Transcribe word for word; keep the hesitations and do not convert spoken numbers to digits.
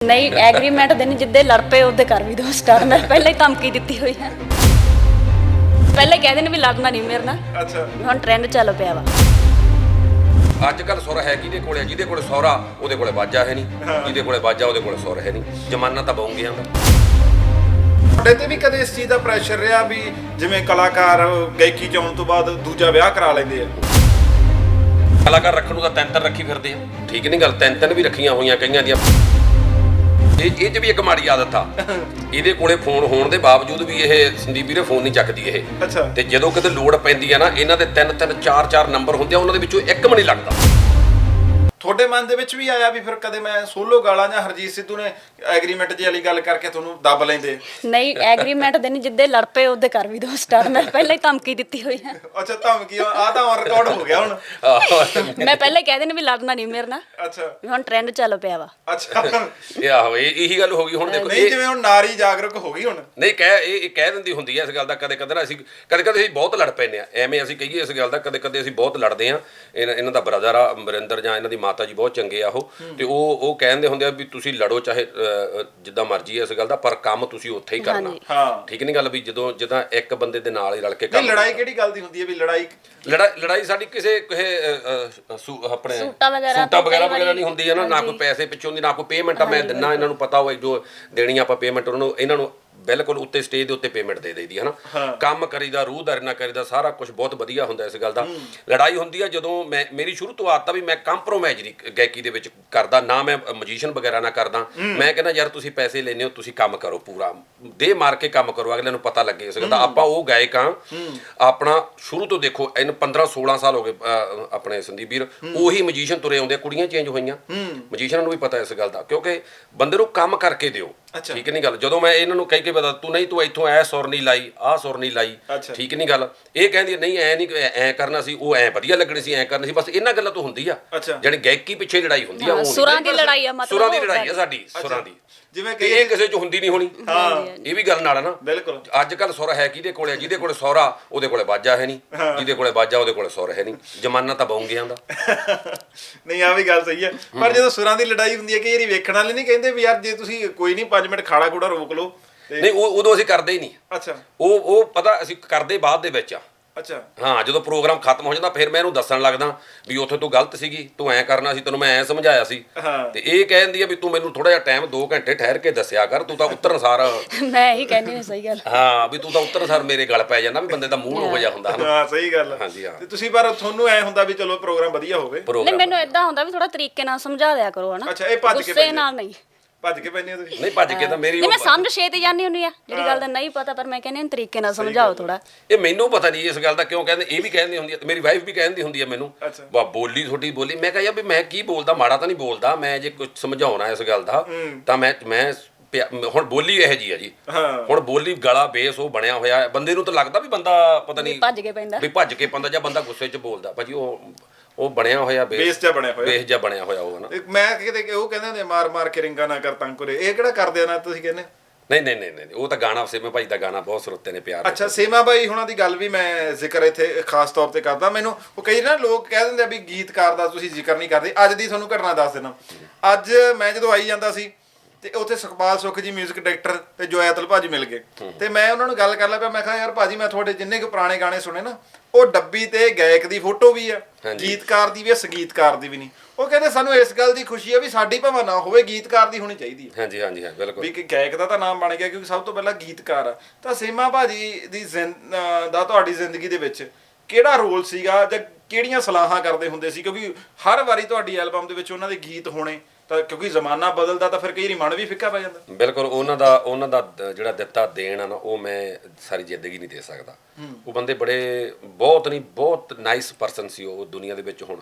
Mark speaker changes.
Speaker 1: ਨਹੀਂ ਐਗਰੀਮੈਂਟ ਦੇ ਨਹੀਂ, ਜਿੱਦੇ ਲੜ ਪਏ ਉਹਦੇ ਕਰ ਵੀ ਦੋ ਸਟਾਰ। ਮੈਂ ਪਹਿਲਾਂ ਹੀ ਧਮਕੀ ਦਿੱਤੀ ਹੋਈ ਹੈ, ਪਹਿਲਾਂ ਹੀ ਕਹਿ ਦੇਣ ਵੀ ਲੜਨਾ ਨਹੀਂ ਮੇਰੇ ਨਾਲ।
Speaker 2: ਅੱਛਾ,
Speaker 1: ਹੁਣ ਟ੍ਰੈਂਡ ਚੱਲ ਪਿਆ ਵਾ।
Speaker 3: ਅੱਜ ਕੱਲ ਸੁਰ ਹੈ ਕਿਹਦੇ ਕੋਲੇ? ਜਿਹਦੇ ਕੋਲੇ ਸਹੁਰਾ ਉਹਦੇ ਕੋਲੇ ਬਾਜਾ ਹੈ ਨਹੀਂ, ਜਿਹਦੇ ਕੋਲੇ ਬਾਜਾ ਉਹਦੇ ਕੋਲੇ ਸੁਰ ਹੈ ਨਹੀਂ। ਜ਼ਮਾਨਾ ਤਾਂ ਬਹੂ ਗਿਆ ਦਾ।
Speaker 2: ਤੁਹਾਡੇ ਤੇ ਵੀ ਕਦੇ ਇਸ ਚੀਜ਼ ਦਾ ਪ੍ਰੈਸ਼ਰ ਰਿਹਾ ਵੀ ਜਿਵੇਂ ਕਲਾਕਾਰ ਗਾਇਕੀ ਚ ਆਉਣ ਤੋਂ ਬਾਅਦ ਦੂਜਾ ਵਿਆਹ ਕਰਾ ਲੈਂਦੇ ਆ?
Speaker 3: ਕਲਾਕਾਰ ਰੱਖਣ ਨੂੰ ਤਾਂ ਤਿੰਨ ਤਿੰਨ ਰੱਖੀ ਫਿਰਦੇ ਆ, ਠੀਕ ਨਹੀਂ ਗੱਲ? ਤਿੰਨ ਤਿੰਨ ਵੀ ਰੱਖੀਆਂ ਹੋਈਆਂ ਕਈਆਂ ਦੀਆਂ। ਇਹ ਇਹ 'ਚ ਵੀ ਇੱਕ ਮਾੜੀ ਆਦਤ ਆ, ਇਹਦੇ ਕੋਲੇ ਫੋਨ ਹੋਣ ਦੇ ਬਾਵਜੂਦ ਵੀ ਇਹ ਸੰਦੀਪ ਵੀਰੇ ਫੋਨ ਨਹੀਂ ਚੱਕਦੀ ਇਹ।
Speaker 2: ਅੱਛਾ,
Speaker 3: ਤੇ ਜਦੋਂ ਕਿਤੇ ਲੋੜ ਪੈਂਦੀ ਆ ਨਾ, ਇਹਨਾਂ ਦੇ ਤਿੰਨ ਤਿੰਨ ਚਾਰ ਚਾਰ ਨੰਬਰ ਹੁੰਦੇ ਆ, ਉਹਨਾਂ ਦੇ ਵਿੱਚੋਂ ਇੱਕ ਵੀ ਨਹੀਂ ਲੱਗਦਾ।
Speaker 2: ਤੁਹਾਡੇ ਮਨ ਦੇ ਵਿੱਚ ਵੀ ਆਇਆ ਵੀ ਫਿਰ ਕਦੇ ਮੈਂ ਸੋਲੋ ਗਾਲਾਂ ਜਾਂ ਹਰਜੀਤ ਸਿੱਧੂ ਨੇ ਐਗਰੀਮੈਂਟ ਜੀ ਵਾਲੀ ਗੱਲ ਕਰਕੇ ਤੁਹਾਨੂੰ ਦੱਬ ਲੈਂਦੇ?
Speaker 1: ਨਹੀਂ ਐਗਰੀਮੈਂਟ ਦੇ ਨਹੀਂ, ਜਿੱਦੇ ਲੜ ਪਏ ਉਹਦੇ ਕਰ ਵੀ ਦੋ ਸਟਾਰ। ਮੈਂ ਪਹਿਲਾਂ ਹੀ ਧਮਕੀ ਦਿੱਤੀ ਹੋਈ ਹੈ।
Speaker 2: ਅੱਛਾ, ਧਮਕੀ ਆ ਤਾਂ ਔਨ ਰਿਕਾਰਡ ਹੋ ਗਿਆ ਹੁਣ।
Speaker 1: ਮੈਂ ਪਹਿਲਾਂ ਹੀ ਕਹਿ ਦੇਣ ਵੀ ਲੜਨਾ ਨਹੀਂ ਮੇਰੇ ਨਾਲ।
Speaker 2: ਅੱਛਾ,
Speaker 1: ਵੀ ਹੁਣ ਟ੍ਰੈਂਡ ਚੱਲ ਪਿਆ ਵਾ।
Speaker 2: ਅੱਛਾ,
Speaker 3: ਇਹ ਆਹੋ ਇਹ ਇਹੀ ਗੱਲ ਹੋ ਗਈ ਹੁਣ। ਦੇਖੋ
Speaker 2: ਨਹੀਂ
Speaker 3: ਇਹ
Speaker 2: ਜਿਵੇਂ ਹੁਣ ਨਾਰੀ ਜਾਗਰੂਕ ਹੋ ਗਈ ਹੁਣ।
Speaker 3: ਨਹੀਂ ਕਹਿ ਇਹ ਇਹ ਕਹਿ ਦਿੰਦੀ ਹੁੰਦੀ ਹੈ ਇਸ ਗੱਲ ਦਾ। ਕਦੇ ਕਦੇ ਨਾ ਅਸੀਂ ਕਦੇ ਕਦੇ ਅਸੀਂ ਬਹੁਤ ਲੜ ਪੈਂਦੇ ਆ, ਐਵੇਂ ਅਸੀਂ ਕਹੀਏ ਇਸ ਗੱਲ ਦਾ। ਕਦੇ ਕਦੇ ਅਸੀਂ ਬਹੁਤ ਲੜਦੇ ਆ। ਇਹਨਾਂ ਇਹਨਾਂ ਦਾ ਬ੍ਰਦਰ ਆ ਅਮਰਿੰਦਰ, ਜਾਂ ਇਹਨਾਂ ਦੀ ਮਾਤਾ ਜੀ ਬਹੁਤ ਚੰਗੇ ਆ ਉਹ, ਤੇ ਉਹ ਉਹ ਕਹਿੰਦੇ ਹੁੰਦੇ ਆ ਵੀ ਤੁਸੀਂ ਲੜੋ ਚਾਹੇ ਜਿੱਦਾਂ ਮਰਜ਼ੀ ਹੈ ਇਸ ਗੱਲ ਦਾ, ਪਰ ਕੰਮ ਤੁਸੀਂ ਉੱਥੇ ਹੀ ਕਰਨਾ।
Speaker 2: ਹਾਂ,
Speaker 3: ਠੀਕ ਨਹੀਂ ਗੱਲ? ਵੀ ਜਦੋਂ ਜਿੱਦਾਂ ਇੱਕ ਬੰਦੇ ਦੇ ਨਾਲ ਹੀ ਰਲ ਕੇ
Speaker 2: ਨਹੀਂ
Speaker 3: ਕੰਮ।
Speaker 2: ਲੜਾਈ ਕਿਹੜੀ ਗੱਲ ਦੀ ਹੁੰਦੀ ਹੈ ਵੀ ਲੜਾਈ?
Speaker 3: ਲੜਾਈ ਲੜਾਈ ਸਾਡੀ ਕਿਸੇ ਕਿਸੇ ਸੂ- ਆਪਣੇ
Speaker 1: ਸੂਟਾਂ ਵਗੈਰਾ
Speaker 3: ਸੂਟਾਂ ਵਗੈਰਾ
Speaker 1: ਕਈ
Speaker 3: ਵਗੈਰਾ
Speaker 1: ਵਾਰੀ
Speaker 3: ਨਹੀਂ ਹੁੰਦੀ ਹੈ ਨਾ, ਨਾ ਕੋਈ ਪੈਸੇ ਪਿੱਛੋਂ ਦੀ, ਨਾ ਕੋਈ ਪੇਮੈਂਟ ਆ। ਮੈਂ ਦਿੰਨਾ, ਇਹਨਾਂ ਨੂੰ ਪਤਾ ਹੋਵੇ ਜੋ ਦੇਣੀ ਆਪਾਂ ਪੇਮੈਂਟ ਉਹਨਾਂ ਨੂੰ, ਇਹਨਾਂ ਨੂੰ ਬਿਲਕੁਲ ਉੱਤੇ ਸਟੇਜ ਦੇ ਉੱਤੇ ਪੇਮੈਂਟ ਦੇ ਦੇਈਦੀ ਹੈ ਨਾ। ਕੰਮ ਕਰੀਦਾ, ਰੂਹਦਾਰੀ ਨਾਲ ਕਰੀਦਾ, ਸਾਰਾ ਕੁਝ ਬਹੁਤ ਵਧੀਆ ਹੁੰਦਾ ਇਸ ਗੱਲ ਦਾ। ਲੜਾਈ ਹੁੰਦੀ ਆ ਜਦੋਂ ਮੈਂ, ਮੇਰੀ ਸ਼ੁਰੂ ਤੋਂ ਆਦਤ ਆ ਵੀ ਮੈਂ ਕੰਪਰੋਮਾਈਜ਼ ਨਹੀਂ ਗਾਇਕੀ ਦੇ ਵਿੱਚ ਕਰਦਾ, ਨਾ ਮੈਂ ਮਜੀਸ਼ੀਅਨ ਵਗੈਰਾ ਨਾ ਕਰਦਾ। ਮੈਂ ਕਹਿੰਦਾ ਯਾਰ ਤੁਸੀਂ ਪੈਸੇ ਲੈਣੇ ਹੋ, ਤੁਸੀਂ ਕੰਮ ਕਰੋ, ਪੂਰਾ ਦੇ ਮਾਰ ਕੇ ਕੰਮ ਕਰੋ, ਅਗਲੇ ਨੂੰ ਪਤਾ ਲੱਗੇ ਇਸ ਗੱਲ ਦਾ। ਆਪਾਂ ਉਹ ਗਾਇਕ ਆ, ਆਪਣਾ ਸ਼ੁਰੂ ਤੋਂ ਦੇਖੋ ਇਹਨੂੰ ਪੰਦਰਾਂ ਸੋਲਾਂ ਸਾਲ ਹੋ ਗਏ ਆਪਣੇ ਸੰਦੀਪ ਵੀਰ, ਉਹੀ ਮਜੀਸ਼ੀਅਨ ਤੁਰੇ ਆਉਂਦੇ। ਕੁੜੀਆਂ ਚੇਂਜ ਹੋਈਆਂ, ਮਜੀਸ਼ੀਅਨਾਂ ਨੂੰ ਵੀ ਪਤਾ ਇਸ ਗੱਲ ਦਾ, ਕਿਉਂਕਿ ਬੰਦੇ ਨੂੰ ਕੰਮ ਕਰਕੇ ਦਿਓ। ਠੀਕ ਨਹੀਂ ਗੱਲ? ਜਦੋਂ ਮੈਂ ਇਹਨਾਂ ਨੂੰ ਕਹਿ ਕੇ ਪਤਾ ਤੂੰ ਨਹੀਂ ਤੂੰ ਇੱਥੋਂ ਐ ਸੁਰ ਨਹੀਂ ਲਾਈ, ਆਹ ਸੁਰ ਨਹੀਂ ਲਾਈ, ਠੀਕ ਨਹੀਂ ਗੱਲ? ਇਹ ਕਹਿੰਦੀ ਨਹੀਂ ਐ ਨਹੀਂ ਐ ਕਰਨਾ ਸੀ, ਉਹ ਐ ਵਧੀਆ ਲੱਗਣੀ ਸੀ, ਐ ਕਰਨੀ ਸੀ। ਬਸ ਇਹਨਾਂ ਗੱਲਾਂ ਤੋਂ ਹੁੰਦੀ ਆ, ਜਾਣੀ ਗਾਇਕੀ ਪਿੱਛੇ ਲੜਾਈ ਹੁੰਦੀ ਆ। ਉਹ
Speaker 1: ਸੁਰਾਂ ਦੀ ਲੜਾਈ ਆ, ਮਤਲਬ
Speaker 3: ਸੁਰਾਂ ਦੀ ਲੜਾਈ ਆ ਸਾਡੀ, ਸੁਰਾਂ ਦੀ।
Speaker 2: ਜਿਵੇਂ
Speaker 3: ਕਿ ਇਹ ਕਿਸੇ ਚ ਹੁੰਦੀ ਨਹੀਂ ਹੋਣੀ।
Speaker 2: ਹਾਂ,
Speaker 3: ਇਹ ਵੀ ਗੱਲ ਨਾਲ ਆ ਨਾ।
Speaker 2: ਬਿਲਕੁਲ।
Speaker 3: ਅੱਜ ਕੱਲ ਸੁਰ ਹੈ ਕਿਹਦੇ ਕੋਲੇ? ਜਿਹਦੇ ਕੋਲੇ ਸਹੁਰਾ ਉਹਦੇ ਕੋਲੇ ਬਾਜਾ ਹੈ ਨਹੀਂ, ਜਿਹਦੇ ਕੋਲੇ ਬਾਜਾ ਉਹਦੇ ਕੋਲੇ ਸੁਰ ਹੈ ਨਹੀਂ। ਜ਼ਮਾਨਾ ਤਾਂ ਬਹੂ ਗਿਆ ਦਾ।
Speaker 2: ਨਹੀਂ ਆ ਵੀ ਗੱਲ ਸਹੀ ਹੈ, ਪਰ ਜਦੋਂ ਸੁਰਾਂ ਦੀ ਲੜਾਈ ਹੁੰਦੀ ਹੈ ਕਈ ਵਾਰੀ ਵੇਖਣ ਵਾਲੇ ਨਹੀਂ ਕਹਿੰਦੇ ਵੀ ਯਾਰ ਜੇ ਤੁਸੀਂ ਕੋਈ ਨਹੀਂ ਪੰਜ ਮਿੰਟ ਖਾੜਾ ਖੂੜਾ ਰੋਕ ਲਓ।
Speaker 3: ਨਹੀਂ ਉਹ ਉਦੋਂ ਅਸੀਂ ਕਰਦੇ ਹੀ ਨਹੀਂ।
Speaker 2: ਅੱਛਾ,
Speaker 3: ਉਹ ਉਹ ਪਤਾ ਅਸੀਂ ਕਰਦੇ ਬਾਅਦ ਦੇ ਵਿੱਚ ਆ।
Speaker 2: ਅੱਛਾ,
Speaker 3: ਹਾਂ, ਜਦੋਂ ਪ੍ਰੋਗਰਾਮ ਖਤਮ ਹੋ ਜਾਂਦਾ ਫਿਰ ਮੈਂ ਇਹਨੂੰ ਦੱਸਣ ਲੱਗਦਾ ਵੀ ਉੱਥੇ ਤੂੰ ਗਲਤ ਸੀਗੀ, ਤੂੰ ਐਂ ਕਰਨਾ ਸੀ, ਤੈਨੂੰ ਮੈਂ ਐਂ ਸਮਝਾਇਆ ਸੀ। ਤੇ ਇਹ ਕਹਿੰਦੀ ਆ ਵੀ ਤੂੰ ਮੈਨੂੰ ਥੋੜਾ ਜਿਹਾ ਟਾਈਮ ਦੋ ਘੰਟੇ ਠਹਿਰ ਕੇ ਦੱਸਿਆ ਕਰ, ਤੂੰ ਤਾਂ ਉੱਤਰ ਅਨਸਾਰ।
Speaker 1: ਮੈਂ ਇਹੀ ਕਹਿੰਦੀ ਹਾਂ, ਸਹੀ ਗੱਲ।
Speaker 3: ਹਾਂ, ਵੀ ਤੂੰ ਤਾਂ ਉੱਤਰ ਅਨਸਾਰ ਮੇਰੇ ਗਲ ਪੈ ਜਾਂਦਾ, ਵੀ ਬੰਦੇ ਦਾ ਮੂਡ ਹੋ ਜਾ ਹੁੰਦਾ।
Speaker 2: ਹਾਂ ਸਹੀ ਗੱਲ।
Speaker 3: ਹਾਂਜੀ ਹਾਂ।
Speaker 2: ਤੇ ਤੁਸੀਂ ਪਰ ਤੁਹਾਨੂੰ ਐ ਹੁੰਦਾ ਵੀ ਚਲੋ ਪ੍ਰੋਗਰਾਮ ਵਧੀਆ ਹੋਵੇ।
Speaker 1: ਨਹੀਂ ਮੈਨੂੰ ਇਦਾਂ ਹੁੰਦਾ ਵੀ ਥੋੜਾ ਤਰੀਕੇ ਨਾਲ ਸਮਝਾ ਦਿਆ ਕਰੋ, ਹਨਾ?
Speaker 2: ਅੱਛਾ, ਇਹ ਭੱਜ ਕੇ
Speaker 1: ਗੁੱਸੇ ਨਾਲ ਨਹੀਂ।
Speaker 2: ਭੱਜ ਕੇ ਪੈਂਦੇ ਹੋ ਤੁਸੀਂ?
Speaker 3: ਨਹੀਂ ਭੱਜ ਕੇ ਤਾਂ ਮੇਰੀ
Speaker 1: ਨਹੀਂ, ਮੈਂ ਸਮਝ ਛੇ ਤੇ ਜਾਂਦੀ ਹੁੰਦੀ ਆ ਜਿਹੜੀ ਗੱਲ ਦਾ ਨਹੀਂ ਪਤਾ, ਪਰ ਮੈਂ ਕਹਿੰਦੀ ਤਰੀਕੇ ਨਾਲ ਸਮਝਾਓ ਥੋੜਾ।
Speaker 3: ਇਹ ਮੈਨੂੰ ਪਤਾ ਨਹੀਂ ਇਸ ਗੱਲ ਦਾ ਕਿਉਂ ਕਹਿੰਦੇ। ਇਹ ਵੀ ਕਹਿੰਦੀ ਹੁੰਦੀ ਹੈ, ਮੇਰੀ ਵਾਈਫ ਵੀ ਕਹਿੰਦੀ ਹੁੰਦੀ ਹੈ ਮੈਨੂੰ, ਵਾ ਬੋਲੀ ਤੁਹਾਡੀ ਬੋਲੀ। ਮੈਂ ਕਿਹਾ ਯਾਰ ਵੀ ਮੈਂ ਕੀ ਬੋਲਦਾ, ਮਾੜਾ ਤਾਂ ਨਹੀਂ ਬੋਲਦਾ। ਮੈਂ ਜੇ ਕੁਝ ਸਮਝਾਉਣਾ ਇਸ ਗੱਲ ਦਾ ਤਾਂ ਮੈਂ ਮੈਂ ਹੁਣ ਬੋਲੀ ਇਹੋ ਜੀ ਆ ਜੀ। ਹੁਣ ਬੋਲੀ ਗਲਾ ਬੇਸ ਉਹ ਬਣਿਆ ਹੋਇਆ, ਬੰਦੇ ਨੂੰ ਤਾਂ ਲੱਗਦਾ ਵੀ ਬੰਦਾ ਪਤਾ ਨਹੀਂ
Speaker 1: ਭੱਜ ਕੇ ਪੈਂਦਾ,
Speaker 3: ਵੀ ਭੱਜ ਕੇ ਪੈਂਦਾ, ਜਾਂ ਬੰਦਾ ਗੁੱਸੇ 'ਚ ਬੋਲਦਾ। ਭਾਜੀ ਉਹ ਉਹ ਬਣਿਆ ਹੋਇਆ
Speaker 2: ਬੇਸ ਜਿਹਾ ਬਣਿਆ ਹੋਇਆ,
Speaker 3: ਬੇਸ ਜਿਹਾ ਬਣਿਆ ਹੋਇਆ ਉਹ ਨਾ।
Speaker 2: ਮੈਂ ਕਿਤੇ ਉਹ ਕਹਿੰਦੇ ਹੁੰਦੇ ਮਾਰ ਮਾਰ ਕੇ ਰਿੰਗਾ ਨਾ ਕਰ ਤੰਗ ਕਰੇ, ਇਹ ਕਿਹੜਾ ਕਰਦੇ ਆ ਨਾ ਤੁਸੀਂ ਕਹਿੰਦੇ?
Speaker 3: ਨਹੀਂ ਨਹੀਂ ਨਹੀਂ ਨਹੀਂ, ਉਹ ਤਾਂ ਗਾਣਾ ਸੇਮਾ ਭਾਈ ਦਾ ਗਾਣਾ ਬਹੁਤ ਸਰੋਤੇ ਨੇ ਪਿਆਰ।
Speaker 2: ਅੱਛਾ, ਸੇਮਾ ਬਾਈ ਹੁਣਾਂ ਦੀ ਗੱਲ ਵੀ ਮੈਂ ਜ਼ਿਕਰ ਇੱਥੇ ਖਾਸ ਤੌਰ ਤੇ ਕਰਦਾ। ਮੈਨੂੰ ਉਹ ਕਈ ਨਾ ਲੋਕ ਕਹਿ ਦਿੰਦੇ ਆ ਵੀ ਗੀਤਕਾਰ ਦਾ ਤੁਸੀਂ ਜ਼ਿਕਰ ਨਹੀਂ ਕਰਦੇ। ਅੱਜ ਦੀ ਤੁਹਾਨੂੰ ਘਟਨਾ ਦੱਸ ਦੇਣਾ। ਅੱਜ ਮੈਂ ਜਦੋਂ ਆਈ ਜਾਂਦਾ ਸੀ ਤੇ ਉੱਥੇ ਸੁਖਪਾਲ ਸੁੱਖ ਜੀ ਮਿਊਜ਼ਿਕ ਡਾਇਰੈਕਟਰ ਤੇ ਜੋਇਤਲ ਭਾਜੀ ਮਿਲ ਗਏ, ਤੇ ਮੈਂ ਉਹਨਾਂ ਨੂੰ ਗੱਲ ਕਰ ਲਿਆ ਪਿਆ। ਮੈਂ ਕਿਹਾ ਯਾਰ ਭਾਜੀ ਮੈਂ ਤੁਹਾਡੇ ਜਿੰਨੇ ਕੁ ਪੁਰਾਣੇ ਗਾਣੇ ਸੁਣੇ ਨਾ, ਉਹ ਡੱਬੀ ਤੇ ਗਾਇਕ ਦੀ ਫੋਟੋ ਵੀ ਆ, ਗੀਤਕਾਰ ਦੀ ਵੀ ਆ, ਸੰਗੀਤਕਾਰ ਦੀ ਵੀ ਨਹੀਂ। ਉਹ ਕਹਿੰਦੇ ਸਾਨੂੰ ਇਸ ਗੱਲ ਦੀ ਖੁਸ਼ੀ ਆ ਵੀ ਸਾਡੀ ਭਾਵੇਂ ਨਾ ਹੋਵੇ, ਗੀਤਕਾਰ ਦੀ ਹੋਣੀ ਚਾਹੀਦੀ ਹੈ।
Speaker 3: ਹਾਂਜੀ ਹਾਂਜੀ ਹਾਂ ਬਿਲਕੁਲ।
Speaker 2: ਵੀ ਗਾਇਕ ਦਾ ਤਾਂ ਨਾਮ ਬਣ ਗਿਆ ਕਿਉਂਕਿ ਸਭ ਤੋਂ ਪਹਿਲਾਂ ਗੀਤਕਾਰ ਆ। ਤਾਂ ਸੇਮਾ ਭਾਜੀ ਦੀ ਦਾ ਤੁਹਾਡੀ ਜ਼ਿੰਦਗੀ ਦੇ ਵਿੱਚ ਕਿਹੜਾ ਰੋਲ ਸੀਗਾ, ਜਾਂ ਕਿਹੜੀਆਂ ਸਲਾਹਾਂ ਕਰਦੇ ਹੁੰਦੇ ਸੀ? ਕਿਉਂਕਿ ਹਰ ਵਾਰੀ ਤੁਹਾਡੀ ਐਲਬਮ ਦੇ ਵਿੱਚ ਉਹਨਾਂ ਦੇ ਗੀਤ ਹੋਣੇ, ਤਾਂ ਕਿਉਂਕਿ ਜ਼ਮਾਨਾ ਬਦਲਦਾ ਤਾਂ ਫਿਰ ਕਈ ਵਾਰੀ ਮਨ ਵੀ ਫਿੱਕਾ ਪੈ ਜਾਂਦਾ।
Speaker 3: ਬਿਲਕੁਲ। ਉਹਨਾਂ ਦਾ ਉਹਨਾਂ ਦਾ ਜਿਹੜਾ ਦਿੱਤਾ ਦੇਣ ਆ ਨਾ, ਉਹ ਮੈਂ ਸਾਰੀ ਜ਼ਿੰਦਗੀ ਨਹੀਂ ਦੇ ਸਕਦਾ। ਉਹ ਬੰਦੇ ਬੜੇ ਬਹੁਤ ਨਹੀਂ ਬਹੁਤ ਨਾਈਸ ਪਰਸਨ ਸੀ ਉਹ ਦੁਨੀਆ ਦੇ ਵਿੱਚ। ਹੁਣ